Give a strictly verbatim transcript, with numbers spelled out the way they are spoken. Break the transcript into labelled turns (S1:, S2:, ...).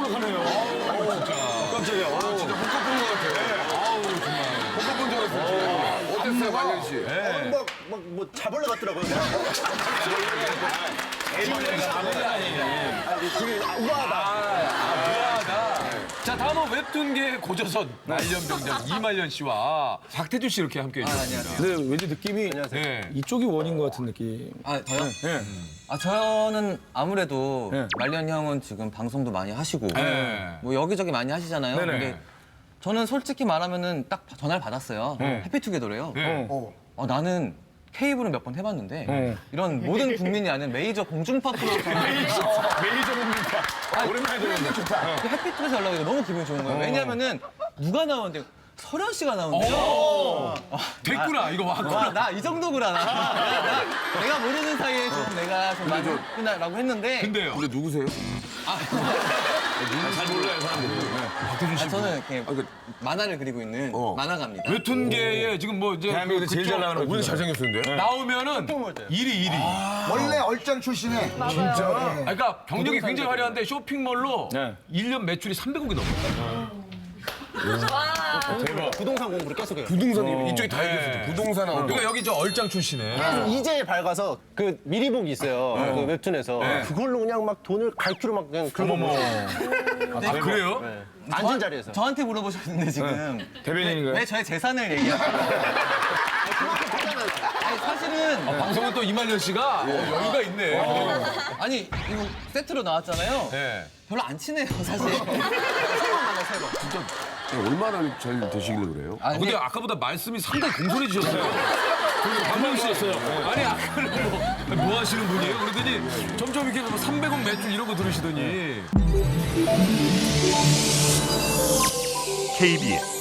S1: 심각하네요. 아우, 진짜. 깜짝이야. 아, 진짜 헛것 본것 같아. 아우, 정말. 헛것 본줄 알았어. 어땠어요, 말년 씨?
S2: 네. 막, 막, 뭐, 자벌레 같더라고요.
S3: 자, 다음은 웹툰계의 고조선 말년병장 이말년 씨와 박태준 씨 이렇게 함께 해주셨습니다.
S4: 근데 왠지 느낌이
S3: 네.
S4: 이쪽이 원인 것 같은 느낌.
S5: 아, 저요?
S4: 예.
S5: 아, 저는 아무래도
S4: 네.
S5: 말년 형은 지금 방송도 많이 하시고
S3: 네.
S5: 뭐 여기저기 많이 하시잖아요.
S4: 네네.
S5: 근데 저는 솔직히 말하면은 딱 전화를 받았어요.
S4: 네.
S5: 해피투게더래요.
S3: 네.
S5: 어, 나는 케이블은 몇 번 해봤는데
S4: 네.
S5: 이런 모든 국민이 아는 메이저 공중파 프로그램
S4: 메이저 공중파. 오랜만에 들었는데 좋다.
S5: 해피투에서 연락이 너무 기분이 좋은 거예요. 왜냐면은 누가 나오는데 설현 씨가 나오는데요.
S3: 됐구나, 이거 왔구나.
S5: 와, 나 이 정도구나. 나. 나, 나, 내가 모르는 사이에 좀 내가 좀 많이 했구나라고 했는데.
S3: 근데요.
S1: 근데 누구세요?
S3: 잘 몰라요, 사람들이. 박태준 씨.
S5: 아, 저는 이렇게 만화를 그리고 있는
S1: 어.
S5: 만화가입니다.
S3: 웹툰계에 지금 뭐 이제
S4: 대한민국에서 제일 잘 나가는
S1: 우리 잘생겼었는데?
S3: 나오면은 일 위, 일 위.
S6: 원래 얼짱 출신에 진짜
S3: 아, 그러니까 경력이 굉장히 화려한데 쇼핑몰로
S4: 네.
S3: 일 년 매출이 삼백억이 넘어요.
S2: 부동산 공부를 계속 해요.
S1: 부동산, 이쪽이 다 얘기했었죠. 부동산 하고.
S3: 그러니까 여기 저 얼짱 출신에.
S2: 이제 밝아서 그 미리보기 있어요. 그 웹툰에서. 그걸로 그냥 막 돈을 갈퀴로 막 그냥 긁어먹어.
S3: 아, 그래요?
S2: 앉은 자리에서.
S5: 저한테 물어보셨는데 지금
S4: 대변인인가요?
S5: 왜 저의 재산을 얘기하세요? 아니 사실은
S3: 방송은 또 이말년 씨가 어, 여유가 있네.
S5: 아니 이거 세트로 나왔잖아요.
S3: 네.
S5: 별로 안 친해요 사실. 세번 만나 세 번.
S1: 얼마나 잘 되시길래 그래요?
S3: 아, 근데 아까보다 말씀이 상당히 공손해지셨어요. 강명 씨였어요. 아니, 아까는 뭐, 뭐 하시는 분이에요? 그러더니 점점 이렇게 뭐 삼백억 매출 이런 거 들으시더니.
S7: 케이비에스